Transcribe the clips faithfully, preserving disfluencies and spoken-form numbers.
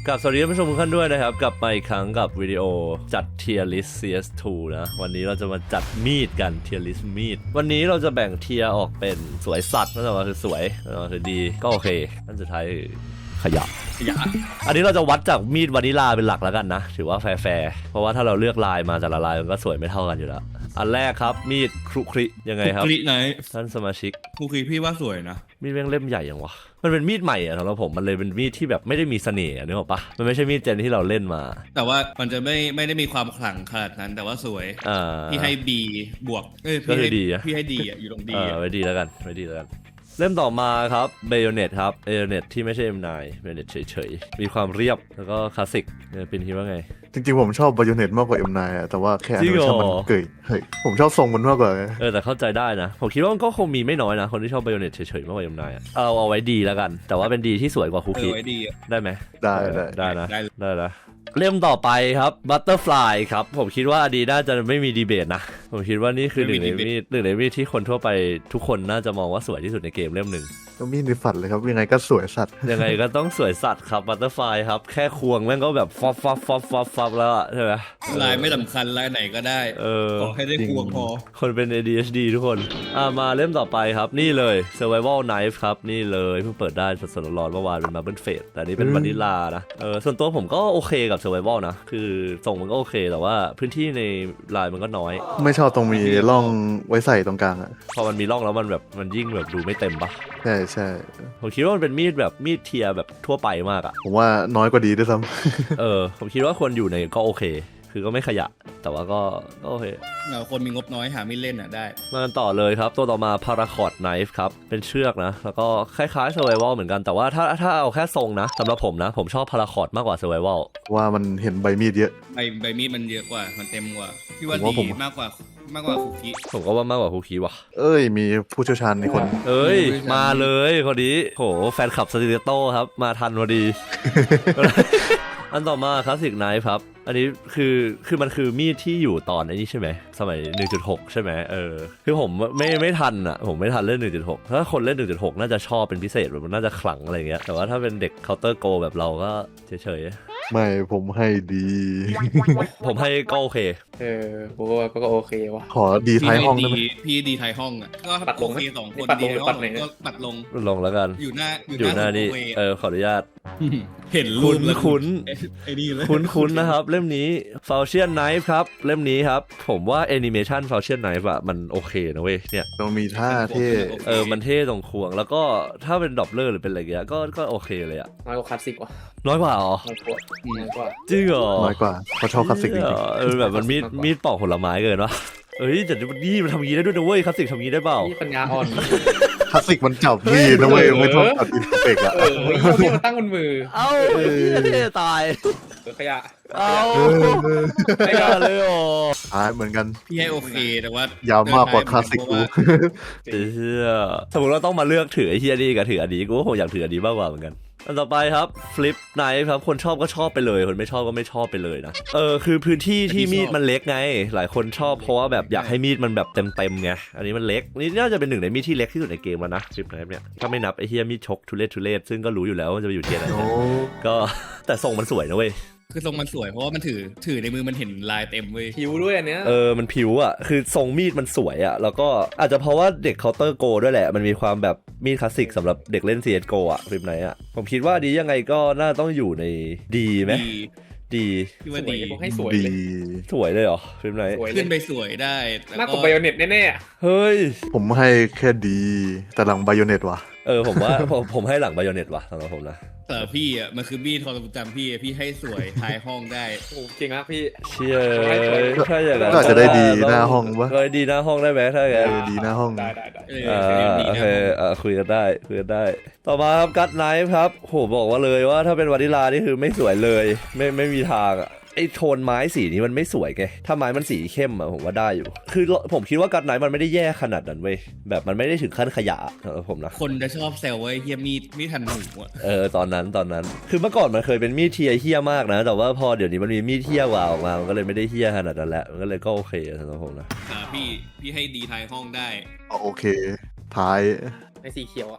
กับสวัสดีท่านผู้ชมทุกท่านด้วยนะครับกลับมาอีกครั้งกับวิดีโอจัด Tier List ซี เอส ทู นะวันนี้เราจะมาจัดมีดกัน Tier List มีดวันนี้เราจะแบ่งเทียร์ออกเป็นสวยสัตว์นั่นหมายคือสวยนั่นคือดีก็โอเคอันสุดท้ายขยะขยะอันนี้เราจะวัดจากมีดวานิลาเป็นหลักแล้วกันนะถือว่าแฟร์ๆเพราะว่าถ้าเราเลือกลายมาแต่ละลายมันก็สวยไม่เท่ากันอยู่แล้วอันแรกครับมีดครุคริยังไงครับครุคริไหนท่านสมาชิกครุคริพี่ว่าสวยนะมีดแม่งเล่มใหญ่ยังวะมันเป็นมีดใหม่อะสำหรับผมมันเลยเป็นมีดที่แบบไม่ได้มีเสน่ห์นึกออกปะมันไม่ใช่มีดเจนที่เราเล่นมาแต่ว่ามันจะไม่ไม่ได้มีความขลังขนาดนั้นแต่ว่าสวยพี่ให้ดีบวกเอ้ยพี่ให้ดีพี่ให้ดีอะอยู่ตรงดีอะไว้ดีแล้วกันไว้ดีแล้วกันเล่มต่อมาครับเบโยเน็ตครับเบโยเน็ตที่ไม่ใช่ เอ็ม ไนน์ เบโยเน็ตเฉยๆมีความเรียบแล้วก็คลาสสิกเป็นคิดว่าไงจริงๆผมชอบ Bayonet มากกว่า เอ็ม ไนน์ อ่ะแต่ว่าแค่อันนี้มันเกยเฮ้ยผมชอบทรงมันมากกว่าเออแต่เข้าใจได้นะผมคิดว่ามันก็คงมีไม่น้อยนะคนที่ชอบ Bayonet เฉยๆมากกว่า เอ็ม ไนน์ อ่ะเอาเอาไว้ดีแล้วกันแต่ว่าเป็นดีที่สวยกว่าคุกกี้ได้ไหมได้ได้ได้นะได้นะเล่มต่อไปครับบัตเตอร์ฟลายครับผมคิดว่าอดีน่าจะไม่มีดีเบตนะผมคิดว่านี่คือหนึ่งในมีดหนึ่งในมีดที่คนทั่วไปทุกคนน่าจะมองว่าสวยที่สุดในเกมเล่มหนึ่งก็มีดในฝันเลยครับยังไงก็สวยสัตว์ยังไงก็ต้องสวยสัตว์ครับบัตเตอร์ฟลายครับแค่ควงแม่งก็แบบฟอฟฟอฟฟอฟฟอฟฟอฟแล้วใช่ไหมลายไม่สำคัญลายไหนก็ได้ขอให้ได้ควงพอคนเป็น เอ ดี เอช ดี ทุกคนอ่ามาเล่มต่อไปครับนี่เลย Survival Knife ครับนี่เลยเพิ่งเปิดได้สดๆร้อนๆเมื่อวานเป็น Marble Fate แต่นี้เป็นวานิลานะเออส่วนตัวผมก็โอเคกับ Survival นะคือส่งมันก็โอเคแต่ว่าพื้นที่ในลายมันก็น้อยไม่ชอบตรงมีร่องไว้ใส่ตรงกลางอ่ะพอมันมีร่องแล้วมันแบบมันยิ่งแบบดูไม่เต็มปะใช่ใช่ผมคิดว่ามันเป็นมีดแบบมีดเทียแบบทั่วไปมากอ่ะผมว่าน้อยกว่าดีด้วยซ้ำเออผมคิดว่าคนอยู่ในก็โอเคคือก็ไม่ขยะแต่ว่าก็โอเคเราคนมีงบน้อยหาไม่เล่นอ่ะได้มากันต่อเลยครับตัวต่อมา Paracord Knife ครับเป็นเชือกนะแล้วก็คล้ายๆ Survival เหมือนกันแต่ว่าถ้าถ้าเอาแค่ทรงนะสำหรับผมนะผมชอบ Paracord มากกว่า Survival ว่ามันเห็นใบมีดเยอะใบใบมีดมันเยอะกว่ามันเต็มกว่าพี่ว่าดีมากกว่ามากกว่าคุกกี้ผมก็ว่ามากกว่าคุกกี้ว่ะเอ้ยมีผู้เชี่ยวชาญในคนเอ้ยมาเลยคนนี้โหแฟนคลับสติโต้ครับมาทันพอดี อันต่อมาคลาสสิกไนฟ์ครับอันนี้คือคือมันคือมีดที่อยู่ตอนนี้ใช่ไหมสมัย หนึ่งจุดหก ใช่ไหมเออคือผมไม่ไม่ทันอ่ะผมไม่ทันเล่น หนึ่งจุดหก ถ้าคนเล่น หนึ่งจุดหก น่าจะชอบเป็นพิเศษแบบมันน่าจะขลังอะไรเงี้ยแต่ว่าถ้าเป็นเด็กเคาน์เตอร์โกแบบเราก็เฉยๆไม่ผมให้ดีผมให้ก็โอเคเออผมว่าก็โอเคว่ะขอดีท้ายห้องได้ไหมพี่ดีท้ายห้องอ่ะก็ปัดลงสองคนดีห้องก็ปัดลงลงแล้วกันอยู่หน้าอยู่หน้านี่เออขออนุญาตเห็นรูปแล้วคุ้นไอ้นี่เลยคุ้นๆนะครับเล่มนี้ Falchion Knife ครับเล่มนี้ครับผมว่าแอนิเมชัน Falchion Knife อะมันโอเคนะเว้ยเนี่ยต้องมีท่าเท่เออมันเท่ตรงควงแล้วก็ถ้าเป็นดอปเลอร์หรือเป็นอะไรเงี้ยก็ก็โอเคเลยอะน้อยกว่าคลาสสิกว่ะน้อยกว่าอ๋อน้อยกว่าน้อยกว่าจริงเหรอน้อยกว่าเขาชอบคลาสสิกจริงๆเออแบบมันมีดมีดปอกผลไม้เกินวะเอ้ยแต่นี่มันทำอย่างนี้ได้ด้วยนะเว้ยคลาสสิกทำอย่างนี้ได้เปล่านี่ปัญญาอ่อนคลาสสิกมันจับมีดนะเว้ยไม่ต้องตัดอินเฟกอะเออพี่มันตั้งบนมือเอ้าเท่ตายขยะเอ้าไม่ได้เลยโอ้อ่าเหมือนกันพี่ให้โอเคแต่ว่ายาวมากกว่าคลาสสิกกูเฮียสมมติเราต้องมาเลือกถือไอ้เฮียนี่กับถืออันนี้กูก็คงอยากถืออันนี้มากกว่าเหมือนกันอันต่อไปครับฟลิปไนฟ์ครับคนชอบก็ชอบไปเลยคนไม่ชอบก็ไม่ชอบไปเลยนะเออคือพื้นที่ที่มีดมันเล็กไงหลายคนชอบเพราะว่าแบบอยากให้มีดมันแบบเต็มๆไงอันนี้มันเล็กนี่น่าจะเป็นหนึ่งในมีดที่เล็กที่สุดในเกมแล้วนะฟลิปไนฟ์เนี่ยถ้าไม่นับไอ้เฮียมีดชกทุเรศทุเรศซึ่งก็รู้อยู่แล้วว่าจะไปอยู่เทียร์ไหนก็แต่ทรงมันสวยนะเว้ยคือทรงมันสวยเพราะว่ามันถือถือในมือมันเห็นลายเต็มเว้ยผิวด้วยอันเนี้ยเออมันผิวอ่ะคือทรงมีดมันสวยอ่ะแล้วก็อาจจะเพราะว่าเด็กเคาน์เตอร์โกด้วยแหละมันมีความแบบมีดคลาสสิกสำหรับเด็กเล่น ซี เอส โก อ่ะฟลิปไหนอ่ะผมคิดว่าดียังไงก็น่าต้องอยู่ในดีไหมดีพี่ว่าดีให้สวยเลยสวยเลยเหรอฟลิปไหนขึ้นไปสวยได้มากกว่าไบโอเน็ตแน่ๆเฮ้ยผมให้แค่ดีแต่หลังไบโอเน็ตว่ะเออผมว่าผมผมให้หลังไบโอเน็ตว่ะสำหรับผมนะแต่พี่อ่ะมันคือมีดความจำพี่พี่ให้สวยท้ายห้องได้โอ้เก่งมากพี่เชี่ยถ้าอย่างนั้นก็จะได้ดีหน้าห้องวะก็ดีหน้าห้องได้ไหมถ้าอย่างนั้นดีหน้าห้องได้ได้ได้อ่าโอเคอ่าคุยกันได้คุยกันได้ต่อมาครับกัตไนฟ์ครับโหบอกว่าเลยว่าถ้าเป็นวานิลานี่คือไม่สวยเลยไม่ไม่มีทางอ่ะไอ้โทนไม้สีนี้มันไม่สวยไงถ้าไม้มันสีเข้มอะผมว่าได้อยู่คือผมคิดว่ากัตไนฟ์มันไม่ได้แย่ขนาดนั้นเว้ยแบบมันไม่ได้ถึงขั้นขยะสำหรับผมนะคนจะชอบแซวว่าเฮียมีดมีดทันหูอ่ะเออตอนนั้นตอนนั้นคือเมื่อก่อนมันเคยเป็นมีดเทียเฮี้ยมากนะแต่ว่าพอเดี๋ยวนี้มันมีมีดเทียกว่าออกมามันก็เลยไม่ได้เฮี้ยขนาดนั้นแล้วมันก็เลยก็โอเคสำหรับผมนะอ่าพี่พี่ให้ดีท้ายห้องได้โอเคท้ายในสีเขียวอ่ะ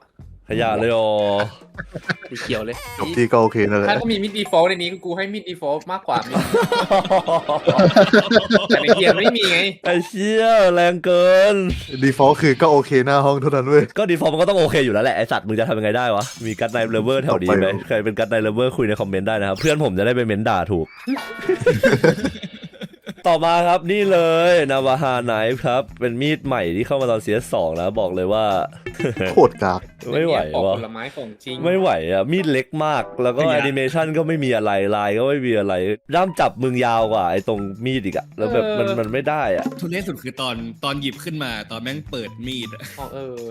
ขยะเลยอ๋อสีเขียวเลยจบที่ก็โอเคนั่นแหละถ้าก็มีมิดดีฟอลต์ในนี้กูให้มิดดีฟอลต์มากกว่ามิดแต่ในเกียร์ไม่มีไงไอ้เชี่ยแรงเกินดีฟอลต์คือก็โอเคหน้าห้องเท่านั้นเว้ยก็ดีฟอร์มมันก็ต้องโอเคอยู่แล้วแหละไอสัตว์มึงจะทำยังไงได้วะมีกัดไนเลเวอร์แถวนี้ไหมใครเป็นกัดไนเลเวอร์คุยในคอมเมนต์ได้นะครับเพื่อนผมจะได้ไปเม้นด่าถูก ต่อมาครับนี่เลยนาวาฮาไนฟ์ครับเป็นมีดใหม่ที่เข้ามาตอน ซี เอส สองแล้วบอกเลยว่าโคตรกากไม่ไหวปอกวะผลไม้ของจริงไม่ไหวอ่ะมีดเล็กมากแล้วก็แอนิเมชันก็ไม่มีอะไรลายก็ไม่มีอะไรด้ามจับมึงยาวกว่าไอ้ตรงมีดอีกอะแล้วแบบมันมันไม่ได้อ่ะทุเรศสุดคือตอนตอนหยิบขึ้นมาตอนแม่งเปิดมีดอะอ๋อเออ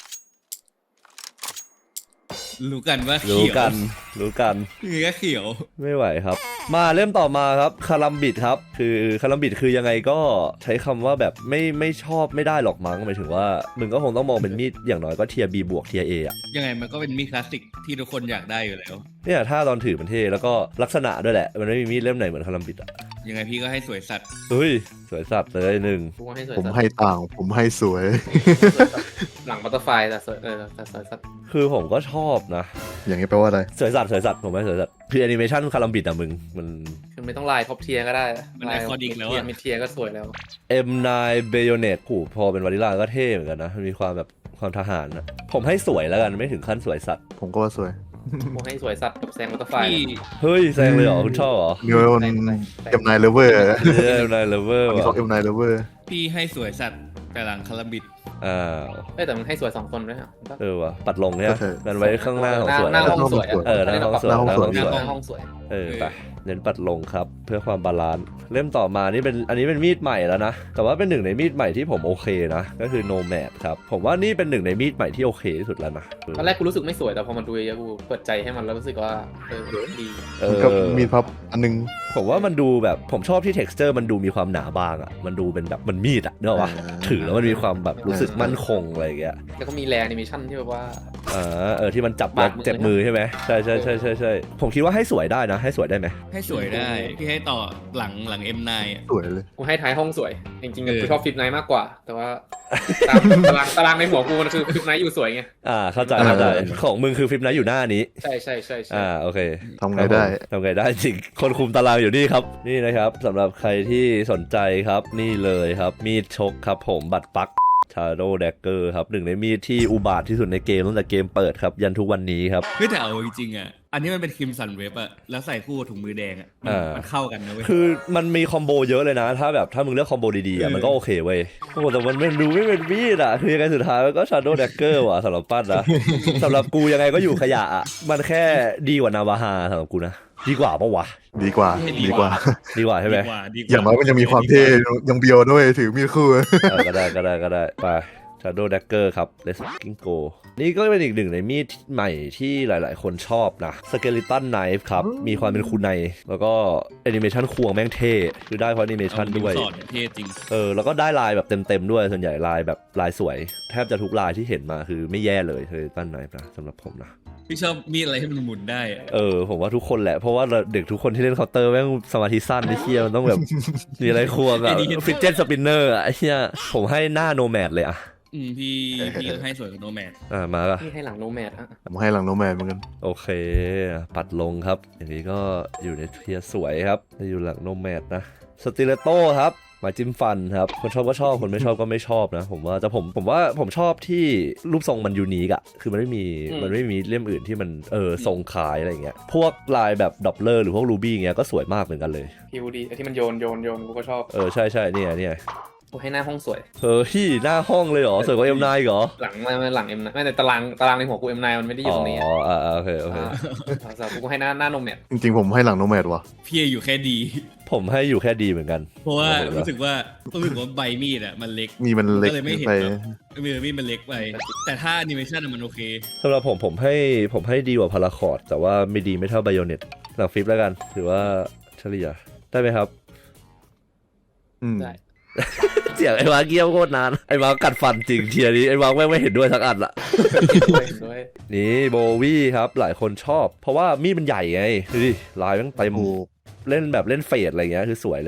รู้กันว่ารู้เขียวกันรู้กันคือก็เขียวไม่ไหวครับ มาเริ่มต่อมาครับคารัมบิดครับคือคารัมบิดคือยังไงก็ใช้คำว่าแบบไม่ไม่ชอบไม่ได้หรอกมั้งหมายถึงว่ามึงก็คงต้องมองเป็นมีดอย่างน้อยก็เทียร์ B บวกเทียร์ A อ่ะยังไงมันก็เป็นมีดคลาสสิกที่ทุกคนอยากได้อยู่แล้วเนี่ยถ้าตอนถือมันเท่แล้วก็ลักษณะด้วยแหละมันไม่มีมีดเล่มไหนเหมือนคารัมบิดอ่ะยังไงพี่ก็ให้สวยสัตว์เฮ้ยสวยสัตว์เลยหนึ่งกูให้สวยผมสัตว์ให้ต่างผมให้สวยหลังบัตเตอร์ไฟแต่สวยเออแต่สวยสัตว์คือผมก็ชอบนะอย่างนี้แปลว่าอะไรสวยสัตว์สวยสัตว์ผมไม่สวยสัตว์คือแอนิเมชันคารัมบิดอะมึงมันคือไม่ต้องลายท็อปเทียร์ก็ได้มันไอคอนิกแล้วเทียอะร์มิดเทียร์ก็สวยแล้วเอ็ม ไนน์ Bayonet ผูพอเป็นวานิลาก็เท่เหมือนกันนะมันมีความแบบความทหารนะผมให้สวยแล้วกันไม่ถึงขั้นสวยสัตว์ผมก็ว่าสวยกูให้สวยสัตว์กับแซงบัตเตอร์ไฟพี่เฮ้ยแซงเลยเหรอคุณชอบเหรอนิวเอลเอ็มไนเลเวอร์เอ็ม ไนน์ Lover อันนี้ว่ะเขาเอ็มไนเลเวอร์พี่ให้สวยสัตว์แต่หลังคาราบิดอ้าวเอ้ยแต่มันให้สวยสองคนด้วยครับเออว่ะปัดลงเนี่ยมันไว้ข้างหน้าของสวยหน้าห้องสวยะเออหน้าห้องสวยหน้าห้องสวยหน้าหห้องสวยน้าห้องสวยเออไปเน้นปัดลงครับเพื่อความบาลานซ์เล่มต่อมานี่เป็นอันนี้เป็นมีดใหม่แล้วนะแต่ว่าเป็นหนึ่งในมีดใหม่ที่ผมโอเคนะก็คือ Nomad ครับผมว่านี่เป็นหนึ่งในมีดใหม่ที่โอเคที่สุดแล้วนะตอนแรกกูรู้สึกไม่สวยแต่พอมันดูเยอะๆกูเปิดใจให้มันแล้วรู้สึกว่าเออดีเอมันอก็มีพับอันนึงผมว่ามันดูแบบผมชอบที่ texture มันดูมีความหนาบางอ่ะมันดูเป็นแบบมันมีดอ่ะเนกอะวะอ่าถือแล้วมันมีความแบบรู้สึกมั่นคงอะไรอย่างเงี้ยแล้วก็มีแรแอนิเมชั่นที่แบบว่าอ่าเออที่มันจับปาดมือเจ็บมือใช่ไหมใช่ใช่ใช่ใช่ใช่ผมคิดว่าให้สวยได้นะให้สวยได้ไหมให้สวยได้พี่ให้ต่อหลังหลัง เอ็ม ไนน์ อะสวยเลยกูให้ท้ายห้องสวย จริงๆเออกูชอบฟิปไนท์มากกว่า แต่ว่าตามตารางตารางในหัวกูมันคือฟิปไนท์อยู่สวยไงอ่าเข้าใจเข้าใจของมึงคือฟิปนะอยู่หน้านี้ใช่ใช่ใช่ใช่อ่าโอเคทำไงได้ทำไงได้จริงคนคุมตารางอยู่นี่ครับนี่นะครับสำหรับใครที่สนใจครับนี่เลยครับมีดชกครับผมบัตรปัก Shadow Dagger ครับหนึ่งในมีดที่อุบาทที่สุดในเกมตั้งแต่เกมเปิดครับยันทุกวันนี้ครับเฮ้ยแต่เอาจริงๆอ่ะอันนี้มันเป็นครีมสันเว็บอะแล้วใส่คู่กับถุงมือแดงอะมันอ่ามัมันเข้ากันนะเว้ยคือมันมีคอมโบเยอะเลยนะ ถ้าแบบถ้ามึงเลือกคอมโบดีๆอ่ะเออมันก็โอเคเว้ยโอ้โหแต่มันไม่ดูไม่เป็นมีดอ่ะคือยังไงสุดท้ายมันก็ Shadow Dagger ว่ะสำหรับปั้นนะ สำหรับกูยังไงก็อยู่ขยะอ่ะมันแค่ดีกว่านาวาฮาสำหรับกูนะดีกว่าปะวะดีกว่า ดีกว่าดีกว่าใช่ไหมดีกว่าดีกว่าอย่างน้อยมันยังมีความเท่ยังเบียวด้วยถือมีดคู่เออก็ได้ก็ได้ก็ได้ไป Shadow Dagger ครับ Let's fucking go นี่ก็เป็นอีกหนึ่งในมีดใหม่ที่หลายๆ คนชอบนะ Skeleton Knife ครับ มีความเป็นคูไนแล้วก็แอนิเมชันควงแม่งเท่คือได้เพราะแอนิเมชันด้วยสอนเท่จริงเออแล้วก็ได้ลายแบบเต็มๆด้วยส่วนใหญ่ลายแบบลายสวย แทบจะทุกลายที่เห็นมาคือไม่แย่เลยคือตั้นไนฟ์นะสำหรับผมนะพี่ชอบมีดอะไรที่มันหมุนได้อะเออผมว่าทุกคนแหละ เพราะว่าเด็กทุกคนที่เล่นเคาน์เตอร์แม่งสมาธิสั้นไอ้เชี่ยมันต้องแบบ มีอะไรควงอะฟิตเจนสปินเนอร์อะไอ้เชี่ยผมให้หน้าโนแมดเลยอะอืมพี่พี่ก็ให้สวยกับโนแมนอ่ามาละที่ให้หลังโนแมดฮะผมให้หลังโนแมนเหมือนกันโอเค ปัดลงครับ อย่างนี้ก็อยู่ในเทียร์สวยครับอยู่หลังโนแมดนะสติเลโต้ครับหมายจิ้มฟันครับคนชอบก็ชอบคนไม่ชอบก็ไม่ชอบนะ ผมว่าแต่ผมผมว่าผมชอบที่รูปทรงมันยูนิคอะคือมันไม่มีมันไม่มีเล่มอื่นที่มันเออทรงคล้ายอะไรเงี้ยพวกลายแบบดอปเลอร์หรือพวกรูบี้เงี้ยก็สวยมากเหมือนกันเลยพีวูดีไอ้ที่มันโยนโยนโยนกูก็ชอบเออใช่ใช่เนี่ยเนี่ยกูให้หน้าห้องสวยเออที่หน้าห้องเลยเหรอสวยกว่าเอ็มไนเหรอหลังไม่ไม่หลังเอ็มไม่แต่ตารางตารางในหัวกูเอ็มไนมันไม่ได้อยู่ตรงนี้อ๋ออ่าอ่าโอเคโอเคอ่าสำหรับกูให้หน้าหน้าโนแมดจริงๆผมให้หลังโนแมดว่ะพี่อยู่แค่ดีผมให้อยู่แค่ดีเหมือนกันเพราะว่าโอ้โหรู้สึกว่ารู้สึกว่าใบมีดอ่ะมันเล็กมีมันเล็กก็เลยไม่เห็นไปแบบมือมีดมันเล็กไป แต่ถ้าแอนิเมชันมันโอเคสำหรับผมผมให้ผมให้ดีกว่าพาราคอร์ดแต่ว่าไม่ดีไม่เท่าไบโอเน็ตหลังฟิปแล้วกันถือว่าเฉลี่ยได้ไหมครับอืมได้เสียงไอ้มาเกี้ยวโคตรนานไอ้มากัดฟันจริงเทียร์นี้ไอ้มาแม่งไม่เห็นด้วยสักอันละด้วยด้วยนี่โบวี่ครับหลายคนชอบ เพราะว่ามีดมันใหญ่ไงดูดิลายแม่งเต็มถูกเล่นแบบเล่นเฟดอะไรเงี้ยคือสวยเลยนะ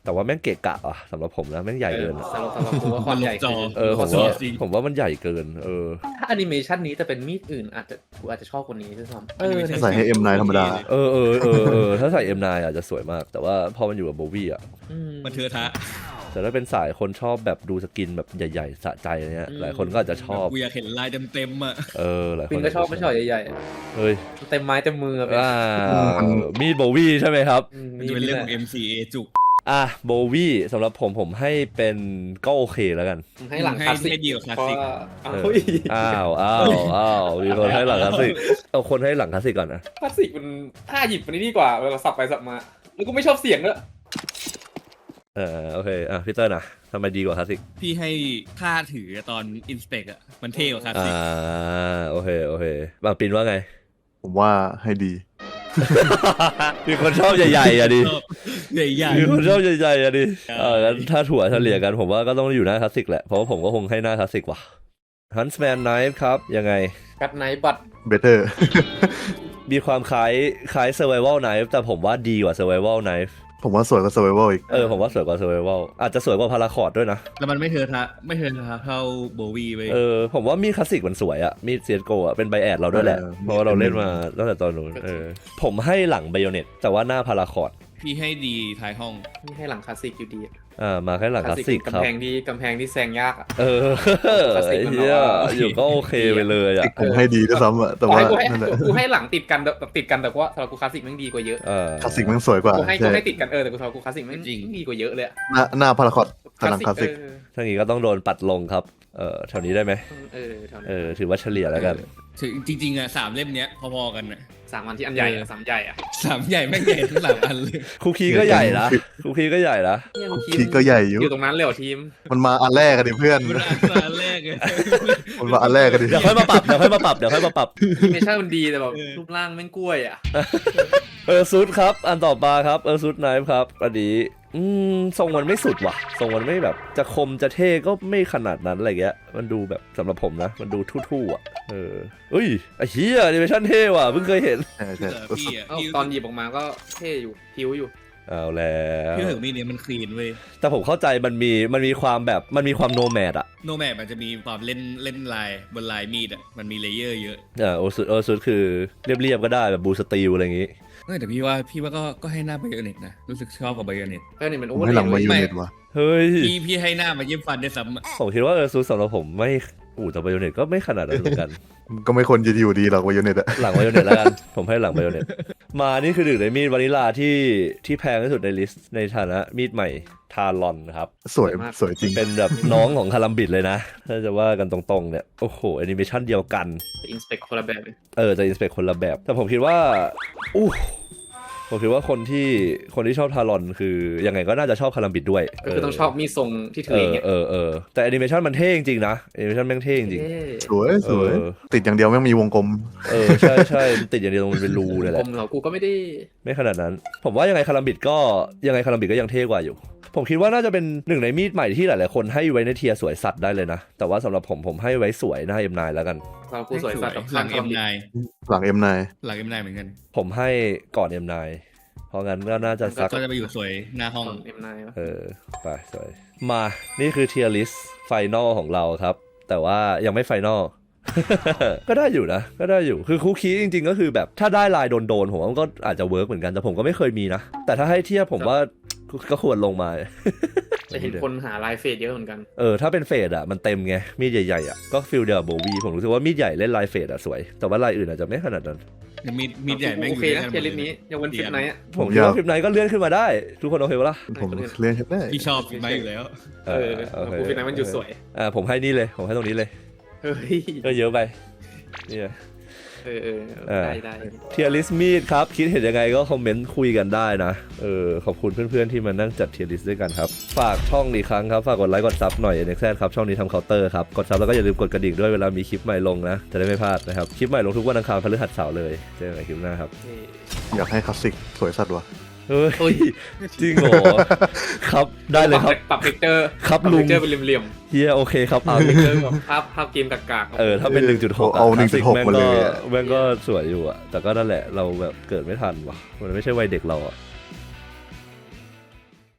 แต่ว่าแม่งเกะกะอ่ะสำหรับผมนะแม่งใหญ่เกินอะสำหรับสำหรับผมว่าความใหญ่จอคือเออผมว่าผมว่ามันใหญ่เกินเออถ้าแอนิเมชันนี้แต่เป็นมีดอื่นอาจจะกูอาจจะชอบคนนี้ด้วยซ้ำเออใส่ให้ เอ็ม ไนน์ ธรรมดาเออเออเออเออถ้าใส่ เอ็ม ไนน์ อาจจะสวยมาก แต่ว่าพอมันอยู่กับโบวี่อ่ะอืมมันเทอะทะแต่ถ้าเป็นสายคนชอบแบบดูสกินแบบใหญ่ๆสะใจอะไรเงี้ยอืมหลายคนก็อาจจะชอบกูอยากเห็นลายเต็มๆอ่ะเออหลายคปินนก็ชอบไม่ชอบใหญ่ๆอะเฮ้ยเต็มไม้เต็มมือแบบอ่ามีดโบวี่ใช่ไหมครับอืมมันจะเป็นเรื่องของ เอ็ม ซี เอ จุกอ่ะโบวี่สำหรับผมผมให้เป็นก็โอเคแล้วกันให้หลังคลาสสิกให้ดีกว่าคลาสเพราะสิกว่าเออเฮ้ยอ้าวอ้าวอ้าวมีคนให้หลังคลาสสิกเอาคนให้หลังคลาสสิกก่อนนะคลาสสิกมันท่าหยิบมันนี่ดีกว่าเวลาสับไปสับมาแล้วก็ไม่ชอบเสียงด้วยเออโอเคอ่ะพี่เตอร์นะทำไมดีกว่าคลาสสิกพี่ให้ท่าถือตอนอินสเปกอ่ะมันเท่กว่าคลาสอ่าสิกโอเคโอเคบางปินว่าไงผมว่าให้ดีมีคนชอบใหญ่ๆอ่ะดิใหญ่มีคนชอบใหญ่ๆอ่ะดิใช่เอองั้นถ้าถั่วเฉลี่ยกันผมว่าก็ต้องอยู่หน้าคลาสสิกแหละ เพราะว่าผมก็คงให้หน้าคลาสสิกว่ะ Huntsman Knife ครับ ยังไงกัดไนบัต better มีความคล้ายคล้าย Survival Knife แต่ผมว่าดีกว่า Survival Knife ผมว่าสวยกว่า survival อีกเออผมว่าสวยกว่า Survival อาจจะสวยกว่าพาราคอร์ดด้วยนะๆแล้วมันไม่เทอะทะไม่เทอะทะเท่าโบวีไปเออผมว่ามีดคลาสสิกมันสวยอะมีดเซียโกอะเป็นไบแอดเราด้วยแหละ เพราะว่าเราเล่นมาตั้งแต่ตอนนู้นเออผมให้หลังไบโอเน็ตแต่ว่าหน้าพาราคอร์ดพี่ให้ดีท้ายห้องนี่ให้หลังคลาสสิกอยู่ดีอะอ่ามาแค่หลังคลาสสิกคกำรับแพงที่กำแพงที่แซงยากอ่ะเออคลาสสิกไอ้มันเหี้ยแบบว่าอยู่ก็โอเคไปเลยอะผมให้ดีด้วยซ้ำอะแต่กูว่าให้กูให้นั่นแหละกูให้หลังติดกันแบบติดกันแต่ว่าสำหรับกูคลาสสิกแม่งดีกว่าเยอะเออคลาสสิกมันสวยกว่ากูให้กูใช่ให้ติดกันเออแต่กูสำหรับกูคลาสสิกแม่งดีกว่าเยอะเลยอะหน้าหน้าพาราคอตพลังคลาสสิกเออถ้างี้ก็ต้องโดนปัดลงครับเออแถวนี้ได้ไหมเออเท่านั้นเออถือว่าเฉลี่ยแล้วกันถึงจริงๆอ่ะสามเล่มเนี้ยพอๆกันอ่ะสามอันที่อันใหญ่อะสามใหญ่อะสามใหญ่แม่งใหญ่ทั้งสามอันเลยคุกคีก็ใหญ่นะคุกคีก็ใหญ่นะเนี่ยกูทีก็ใหญ่อยู่อยู่ตรงนั้นเลยเหรอทีมมันมาอันแรกกันดิเพื่อนมันอันแรกเลยมันมาอันแรกกันดิเดี๋ยวค่อยมาปรับเดี๋ยวค่อยมาปรับเดี๋ยวค่อยมาปรับแอนิเมชั่นมันดีแต่แบบรูปร่างแม่งกล้วยอะเออซูดครับ อันต่อมาครับเออซูดไนฟ์ครับอันนี้อืมทรงมันไม่สุดว่ะทรงมันไม่แบบจะคมจะเท่ก็ไม่ขนาดนั้นอะไรเงี้ยมันดูแบบสำหรับผมนะ มันดูทู่ๆอ่ะเออเอ้ยไอ้เหี้ยแอนิเมชั่นเท่ว่ะเพิ่งเคยเห็นใช่ใช่พี่อ่ะเอ้าพี่ตอนหยิบออกมาก็เท่อยู่พิ้วอยู่เอาแล้วพี่ถึงมีเนี่ยมันคลีนเว้ยแต่ผมเข้าใจมันมีมันมีความแบบมันมีความโนแมดอ่ะโนแมปมันจะมีความเล่นเล่นลายบนลายมีดอ่ะมันมีเลเยอร์เยอะอ่าโอซูดโอซูดคือเรียบๆก็ได้แบบบูสตีลอะไรอย่างงี้เออแต่พี่ว่าพี่ว่าก็ก็ให้หน้าไบโอเน็ตนะรู้สึกชอบกับไบโอเน็ตก็นี่มันผโอ้มโหให้หลังมาเลยยูไม่เน็ตว่ะเฮ้ยพี่พี่ให้หน้ามาเยี่ยมฟันได้วยซ้ำอะผมคิดว่าเออซูดสำหรับผมไม่อู่แต่ไบโอเน็ตก็ไม่ขนาดนั้นเหมือนกันก็ไม่ควรจะอยู่ดีหรอกวายูเน็ตอะหลังไบโอเน็ตแล้วกัน ผมให้หลังไบโอเน็ตมานี่คือหนึ่งในมีดวานิลาที่ที่แพงที่สุดในลิสต์ในฐานะมีดใหม่ทารอนนะครับสวยสวยจริงเป็นแบบน้องของคารัมบิดเลยนะ ถ้าจะว่ากันตรงๆเนี่ย โอ้โหแอนิเมชันเดียวกันอินสเปกคนละแบบเลยเออจะอินสเปคคนละแบบ แต่ผมคิดว่าอู้ผมคิดว่าคนที่คนที่ชอบทารอนคือยังไงก็น่าจะชอบคารัมบิดด้วยก็คือต้องชอบมีทรงที่ถืเออออย่างเงี้ยเออเออแต่แอนิเมชันมันเท่จริงๆนะแอนิเมชันแม่งเท่จริงเท่สวยสวยเออติดอย่างเดียวไม่งมีวงกลมเออใช่ใช่มันติดอย่างเดียวตรงมันเป็นรูเนี่ยแหผละมเหรอกูก็ไม่ได้ไม่ขนาดนั้น ผมว่ายังไงคารัมบิดก็ยังไงคารัมบิดก็ยังเท่กว่าอยู่ ผมคิดว่าน่าจะเป็นหนึ่งในมีดใหม่ที่หลายๆคนให้ไว้ในเทียร์สวยสัตว์ได้เลยนะ แต่ว่าสำหรับผมผมให้ไว้สวยหน้า เอ็ม ไนน์ แล้วกันเรากูสวยสัตว์กับหลังคเอ็วามมดีไนหลัง เอ็ม ไนน์หลังเอ็มไนเหมือนกันผมให้ก่อน เอ็ม ไนน์ เพราะงั้นก็น่าจะสักก็จะไปอยู่สวยหน้าห้องเอ็มไนวะเออไปสวยมานี่คือเทียร์ลิสต์ไฟนอลของเราครับ แต่ว่ายังไม่ไฟนอล ก็ได้อยู่นะ ก็ได้อยู่คือคุกคีจริงๆก็คือแบบถ้าได้ลายโดนๆผมว่ามันก็อาจจะเวิร์กเหมือนกันแต่ผมก็ไม่เคยมีนะ แต่ถ้าให้เทียบผมว่าก็ควรลงมาจะเห็นคนหาลายเฟดเยอะเหมือนกันเออถ้าเป็นเฟดอ่ะมันเต็มไงมีดใหญ่ๆอ่ะก็ฟิลเดียวกับโบวีผมรู้สึกว่ามีดใหญ่เล่นลายเฟดอ่ะสวย แต่ว่าลายอื่นอาจจะไม่ขนาดนั้นมีดมีดใหญ่แม่งโออยู่เคด้วยนะกันหเทีมยดร์ลิสต์นี้ยังเว้นฟิตไนท์อะผมคิดว่าคลิปไหนก็เลื่อนขึ้นมาได้ ทุกคนโอเคปะล่ะผมเล่นได้พี่ชอบไม้อยู่แล้วเออกูฟิตไนท์มันอยู่สวยอ่าผมให้นี่เลยผมให้ตรงนี้เลยเฮ้ยก็เยอะไปนี่ไงเออเออเออได้ได้เทียร์ลิสต์มีดครับคิดเห็นยังไงก็คอมเมนต์คุยกันได้นะเออขอบคุณเพื่อนๆที่มานั่งจัดเทียร์ลิสต์ด้วยกันครับฝากช่องอีกครั้งครับฝากกดไลค์กดซับหน่อย เอ็น เอ็กซ์ แซด ครับช่องนี้ทำเคาน์เตอร์ครับกดซับแล้วก็อย่าลืมกดกระดิ่งด้วยเวลามีคลิปใหม่ลงนะจะได้ไม่พลาดนะครับคลิปใหม่ลงทุกวันอังคารพฤหัสเสาร์เลยเจอกันใหม่คลิปหน้าครับเท่อยากให้คลาสสิกสวยสัตว์ว่ะเฮ้เฮ้ยยจริงเหรอครับได้เลยครับปรับเทคเจอร์ครับปรับลุเทงคเจอร์เป็นเหลี่ยมเฮียโอเคครับเอาๆเทคเจอร์แบบภาพภาพเกมกากๆเออถ้าเป็น หนึ่งจุดหกเอาคลาสสิกหนึ่งจุดหกแม่งมาเลก็ยอะแม่งก็สวยอยู่อะแต่ก็นั่นแหละเราแบบเกิดไม่ทันว่ะมันไม่ใช่วัยเด็กเราอะ